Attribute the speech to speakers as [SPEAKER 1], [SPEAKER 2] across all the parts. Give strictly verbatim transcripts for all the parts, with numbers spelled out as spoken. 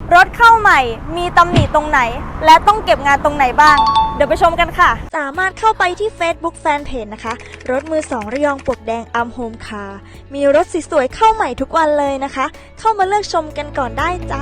[SPEAKER 1] รถเข้าใหม่มีตำหนิตรงไหนและต้องเก็บงานตรงไหนบ้างเดี๋ยวไปชมกันค่ะสามารถเข้าไปที่ Facebook Fanpage นะคะรถมือสองระยองปลวกแดงอัมโฮมคาร์มีรถสวยๆเข้าใหม่ทุกวันเลยนะคะเข้ามาเลือกชมกันก่อนได้จ้า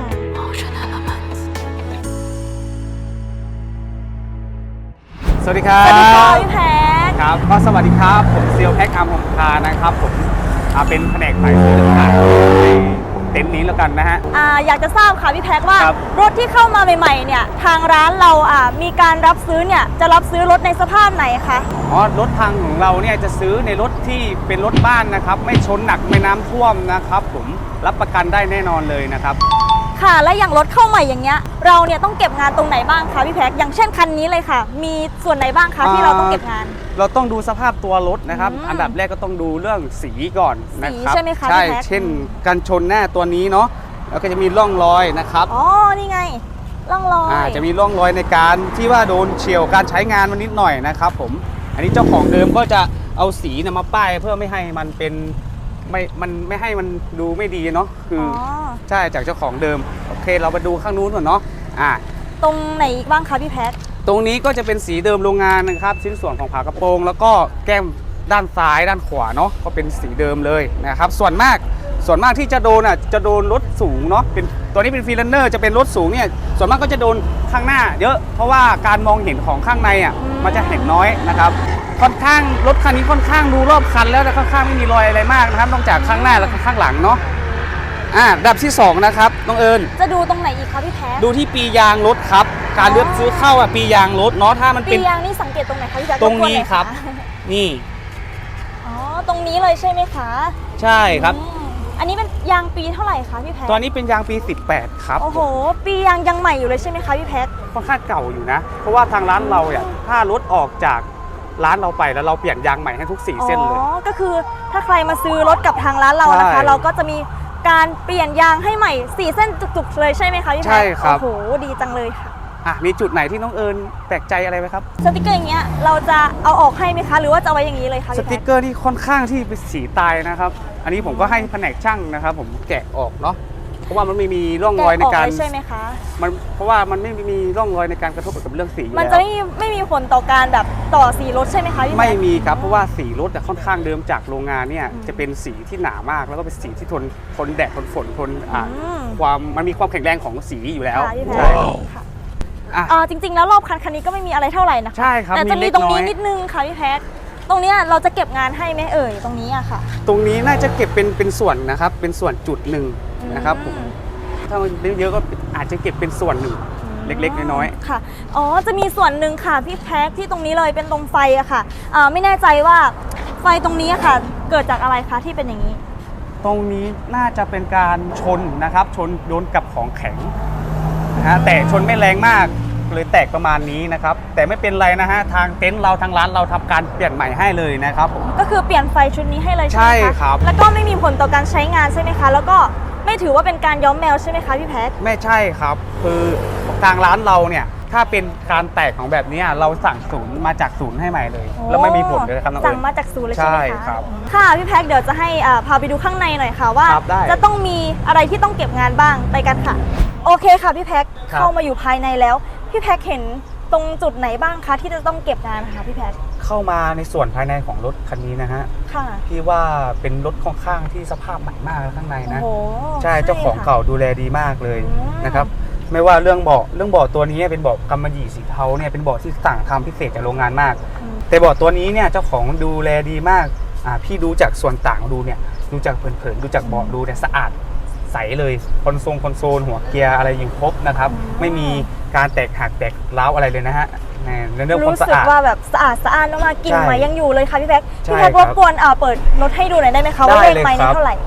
[SPEAKER 2] สวัสดีครับ
[SPEAKER 1] สวัสดีค่ะพี่แพ็ค
[SPEAKER 2] ครับก็สวัสดีครับผมเซียวแพ็คอัมโฮมคาร์นะครับผมเป็นแผนกฝ่ายซื้อขายในเต็นท์นี้แล้วกันนะฮะ
[SPEAKER 1] อ่าอยากจะทราบค่ะพี่แพ็คว่า
[SPEAKER 2] ครับ
[SPEAKER 1] รถที่เข้ามาใหม่ๆเนี่ยทางร้านเราอ่ามีการรับซื้อเนี่ยจะรับซื้อรถในสภาพไหนคะ
[SPEAKER 2] อ๋อรถทางของเราเนี่ยจะซื้อในรถที่เป็นรถบ้านนะครับไม่ชนหนักไม่น้ำท่วมนะครับผมรับประกันได้แน่นอนเลยนะครับ
[SPEAKER 1] ค่ะและอย่างรถเข้าใหม่อย่างเงี้ยเราเนี่ยต้องเก็บงานตรงไหนบ้างคะพี่แพ็คอย่างเช่นคันนี้เลยค่ะมีส่วนไหนบ้างคะที่เราต้องเก็บงาน
[SPEAKER 2] เราต้องดูสภาพตัวรถนะครับอันดับแรกก็ต้องดูเรื่องสีก่อนนะครับ
[SPEAKER 1] ใช่ไหมคะ
[SPEAKER 2] ใช่
[SPEAKER 1] พี่แพ็ค
[SPEAKER 2] เช่นการชนหน้าตัวนี้เนาะแล้วก็จะมีร่องรอยนะครับ
[SPEAKER 1] อ๋อนี่ไงร่องรอย
[SPEAKER 2] อ่าจะมีร่องรอยในการที่ว่าโดนเฉี่ยวการใช้งานมันนิดหน่อยนะครับผมอันนี้เจ้าของเดิมก็จะเอาสีนำมาป้ายเพื่อไม่ให้มันเป็นไม่มันไม่ให้มันดูไม่ดีเนาะคืออใช่จากเจ้าของเดิมโอเคเรามาดูข้างนู้นก่อนเนาะอ่า
[SPEAKER 1] ตรงไหนอีกบ้างคะพี่แพ็ค
[SPEAKER 2] ตรงนี้ก็จะเป็นสีเดิมโรงงานนะครับชิ้นส่วนของฝากระโปรงแล้วก็แก้มด้านซ้ายด้านขวาเนาะก็เป็นสีเดิมเลยนะครับส่วนมากส่วนมากที่จะโดนอ่ะจะโดนรถสูงเนาะเป็นตัวนี้เป็นฟรีแลนเนอร์จะเป็นรถสูงเนี่ยส่วนมากก็จะโดนข้างหน้าเยอะเพราะว่าการมองเห็นของข้างในอ่ะมันจะเห็นน้อยนะครับค่อนข้างรถคันนี้ค่อนข้างดูรอบคันแล้วแต่ค่อนข้างไม่มีรอยอะไรมากนะครับนอกจากข้างหน้าและข้างหลังเนาะอ่าดับที่สองนะครับน้องเอิญ
[SPEAKER 1] จะดูตรงไหนอีกคะพี่แพ็ค
[SPEAKER 2] ดูที่ปียางรถครับการเลือกซื้อเข้าอ่ะปียางรถเนาะถ้ามันเป็น
[SPEAKER 1] ปียางนี่สังเกตตรงไหนคะพี่แพ็ค
[SPEAKER 2] ตรงนี้ครับนี่
[SPEAKER 1] อ๋อตรงนี้เลยใช่ไหมคะ
[SPEAKER 2] ใช่ครับ
[SPEAKER 1] อันนี้เป็นยางปีเท่าไหร่คะพี่แพ็ค
[SPEAKER 2] ตอนนี้เป็นยางปีสิบแปดครับ
[SPEAKER 1] โอ้โหปียางยังใหม่อยู่เลยใช่ไหมคะพี่แพ็ค
[SPEAKER 2] ค่อนข้างเก่าอยู่นะเพราะว่าทางร้านเราเนี่ยถ้ารถออกจากร้านเราไปแล้วเราเปลี่ยนยางใหม่ให้ทุกสี่เส้นเลย
[SPEAKER 1] อ๋อก็คือถ้าใครมาซื้อรถกับทางร้านเรานะคะเราก็จะมีการเปลี่ยนยางให้ใหม่สี่เส้นจุกๆเลยใช่ไหมคะพี่แพ็ค
[SPEAKER 2] ใช่ครับ
[SPEAKER 1] โอ้โหดีจังเลยค่ะ
[SPEAKER 2] อ่ะมีจุดไหนที่น้องเอิญแปลกใจอะไรไหมครับ
[SPEAKER 1] สติกเกอร์อย่างเงี้ยเราจะเอาออกให้ไหมคะหรือว่าจะไว้อย่างนี้เลยคะ
[SPEAKER 2] สติกเกอร์ที่ค่อนข้างที่เป็นสีตายนะครับอันนี้ผมก็ให้แผนกช่างนะครับผมแกะออกเนาะเพราะว่ามันไม่มีร่องรอยในการ
[SPEAKER 1] ใช่ไหมคะ
[SPEAKER 2] มันเพราะว่ามันไม่มีร่องรอยในการกระทบกับเรื่องสี
[SPEAKER 1] มันจะไม่ไม่มีผลต่อการแบบต่อสีรถใช่ไหมคะพี่
[SPEAKER 2] ไม่มีครับเพราะว่าสีรถแต่ค่อนข้างเดิมจากโรงงานเนี่ยจะเป็นสีที่หนามากแล้วก็เป็นสีที่ทนทนแดดทนฝนทนอ่าความมันมีความแข็งแรงของสีอยู่แล้ว
[SPEAKER 1] ใช่ค่ะอ่าจริงๆแล้วรอบคันคันนี้ก็ไม่มีอะไรเท่าไหร่นะคะ
[SPEAKER 2] ใช่ครับ
[SPEAKER 1] แต่จะมีตรงนี้นิดนึงค่ะพี่แพ็คตรงนี้เราจะเก็บงานให้ไหมเอ่ยตรงนี้อะค่ะ
[SPEAKER 2] ตรงนี้น่าจะเก็บเป็นเป็นส่วนนะครับเป็นส่วนจุดหนึ่งนะครับผมถ้ามันเยอะก็อาจจะเก็บเป็นส่วนหนึ่งเล็กๆน้อย
[SPEAKER 1] ๆค่ะอ๋อจะมีส่วนหนึ่งค่ะพี่แพ็คที่ตรงนี้เลยเป็นตรงไฟอะค่ะอ่าไม่แน่ใจว่าไฟตรงนี้ค่ะเกิดจากอะไรคะที่เป็นอย่างนี้
[SPEAKER 2] ตรงนี้น่าจะเป็นการชนนะครับชนโดนกับของแข็งนะฮะแต่ชนไม่แรงมากเลยแตกประมาณนี้นะครับแต่ไม่เป็นไรนะฮะทางเต็นท์เราทางร้านเราทำการเปลี่ยนใหม่ให้เลยนะครับผม
[SPEAKER 1] ก็คือเปลี่ยนไฟชุดนี้ให้เลย
[SPEAKER 2] ใช่ไหมคะครับ
[SPEAKER 1] แล้วก็ไม่มีผลต่อการใช้งานใช่ไหมคะแล้วก็ไม่ถือว่าเป็นการย้อมแมวใช่ไหมคะพี่แพท
[SPEAKER 2] ไม่ใช่ครับคือทางร้านเราเนี่ยถ้าเป็นการแตกของแบบนี้เราสั่งศูนย์มาจากศูนย์ให้ใหม่เลยแล้วไม่มีผลเลยครับน้องเอิญ
[SPEAKER 1] สั่งมาจากศูนย์เลยใช่ไหมคะ
[SPEAKER 2] ใช่ครับ
[SPEAKER 1] ค่ะพี่แพทเดี๋ยวจะให้พาไปดูข้างในหน่อยค่ะว่าจะต้องมีอะไรที่ต้องเก็บงานบ้างไปกันค่ะโอเคค่ะพี่แพทเข้ามาอยู่ภายในแล้วพี่แพทเห็นตรงจุดไหนบ้างคะที่จะต้องเก็บงานคะพี่แพท
[SPEAKER 2] เข้ามาในส่วนภายในของรถคันนี้นะฮะ
[SPEAKER 1] ค่ะ
[SPEAKER 2] พี่ว่าเป็นรถค่อนข้างที่สภาพใหม่มากข้างในนะ
[SPEAKER 1] โอ้
[SPEAKER 2] ใช่เจ้าของเก่าดูแลดีมากเลยนะครับไม่ว่าเรื่องเบาะเรื่องเบาะตัวนี้เป็นเบาะกำมะหยี่สีเทาเนี่ยเป็นเบาะที่สั่งทำพิเศษจากโรงงานมากแต่เบาะตัวนี้เนี่ยเจ้าของดูแลดีมากอ่าพี่ดูจากส่วนต่างดูเนี่ยดูจากเผินๆดูจากเบาะดูเนี่ยสะอาดใสเลยคอนโซลคอนโซลหัวเกียร์อะไรอยู่ครบนะครับไม่มีการแตกหักแตกร้าวอะไรเลยนะฮะในเรื่องความสะอาด
[SPEAKER 1] รู้สึกว่าแบบสะอาดสะอาดมากกลิ่นไม้ยังอยู่เลยค่ะพี่แพ็คพี่แพ็ครบกวนเปิดรถให้ดูหน่อยได้ไหมคะว่าเลขไม้นี้เท่าไหร่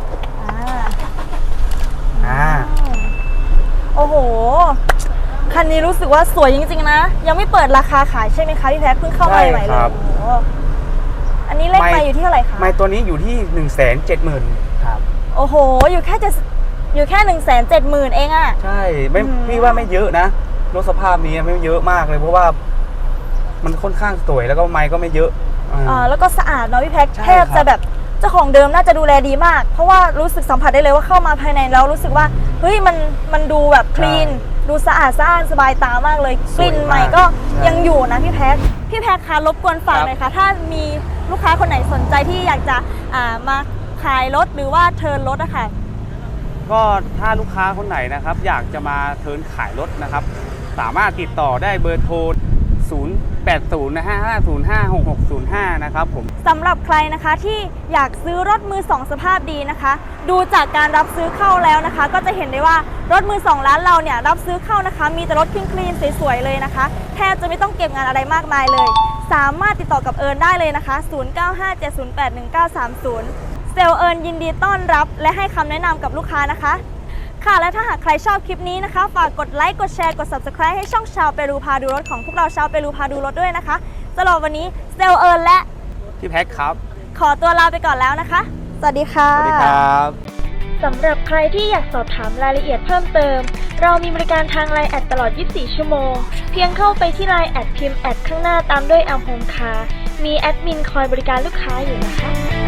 [SPEAKER 2] อ่า
[SPEAKER 1] โอ้โหคันนี้รู้สึกว่าสวยจริงๆนะยังไม่เปิดราคาขายใช่ไหมคะพี่แพ็คเพิ่งเข้ามาใหม่เลยอันนี้เลขไม้อยู่ที่เท่าไหร่คะ
[SPEAKER 2] ไม้ตัวนี้อยู่ที่หนึ่งแสนเจ็ดหมื่นครับ
[SPEAKER 1] โอ้โหอยู่แค่จะอยู่แค่หนึ่งแสนเจ็ดหมื่นเองอะ
[SPEAKER 2] ใช่ไม่พี่ว่าไม่เยอะนะรถสภาพนี้ไม่เยอะมากเลยเพราะว่ามันค่อนข้างสวยแล้วก็ไม้ก็ไม่เยอะ
[SPEAKER 1] อ่าแล้วก็สะอาดเนาะพี่แพ็คแทบจะแบบจจ้าของเดิมน่าจะดูแลดีมาก เพราะว่ารู้สึกสัมผัสได้เลยว่าเข้ามาภายในแล้วรู้สึกว่าเฮ้ยมันมันดูแบบคลีนดูสะอาดสะอ้านสบายตามากเลยกลิ่นใหม่ก็ยังอยู่นะพี่แพ็คพี่แพ็คคะรบกวนฝากหน่อยค่ะถ้ามีลูกค้าคนไหนสนใจที่อยากจะอ่ามาขายรถหรือว่าเทิร์นรถอะค่ะ
[SPEAKER 2] ก็ถ้าลูกค้าคนไหนนะครับอยากจะมาเทิร์นขายรถนะครับสามารถติดต่อได้เบอร์โทร ศูนย์ แปด ศูนย์ ห้า ห้า ศูนย์ ห้า หก หก ศูนย์ ห้า นะครับผม
[SPEAKER 1] สำหรับใครนะคะที่อยากซื้อรถมือสองสภาพดีนะคะ ดูจากการรับซื้อเข้าแล้วนะคะ ก็จะเห็นได้ว่ารถมือสองร้านเราเนี่ยรับซื้อเข้านะคะ มีแต่รถคลีนๆสวยๆเลยนะคะแทบจะไม่ต้องเก็บงานอะไรมากมายเลย สามารถติดต่อกับเอิญได้เลยนะคะ ศูนย์ เก้า ห้า เจ็ด ศูนย์ แปด หนึ่ง เก้า สาม ศูนย์ เซลล์เอิญยินดีต้อนรับและให้คำแนะนำกับลูกค้านะคะค่ะและถ้าหากใครชอบคลิปนี้นะคะฝากกดไลค์กดแชร์กด ซับสไครบ์ ให้ช่องชาวเปรูพาดูรถของพวกเราชาวเปรูพาดูรถด้วยนะคะสำหรับวันนี้เซลล์เอิญและ
[SPEAKER 2] พี่แพ็คครับ
[SPEAKER 1] ขอตัวลาไปก่อนแล้วนะคะ สวัสดีค่ะ
[SPEAKER 2] สวัสดีครับ
[SPEAKER 1] สำหรับใครที่อยากสอบถามรายละเอียดเพิ่มเติม เรามีบริการทาง ไลน์ แอดตลอด ยี่สิบสี่ ชั่วโมง เพียงเข้าไปที่ ไลน์ แอดพิมพ์แอดข้างหน้าตามด้วยแอมโฮมคาร์มีแอดมินคอยบริการลูกค้าอยู่นะคะ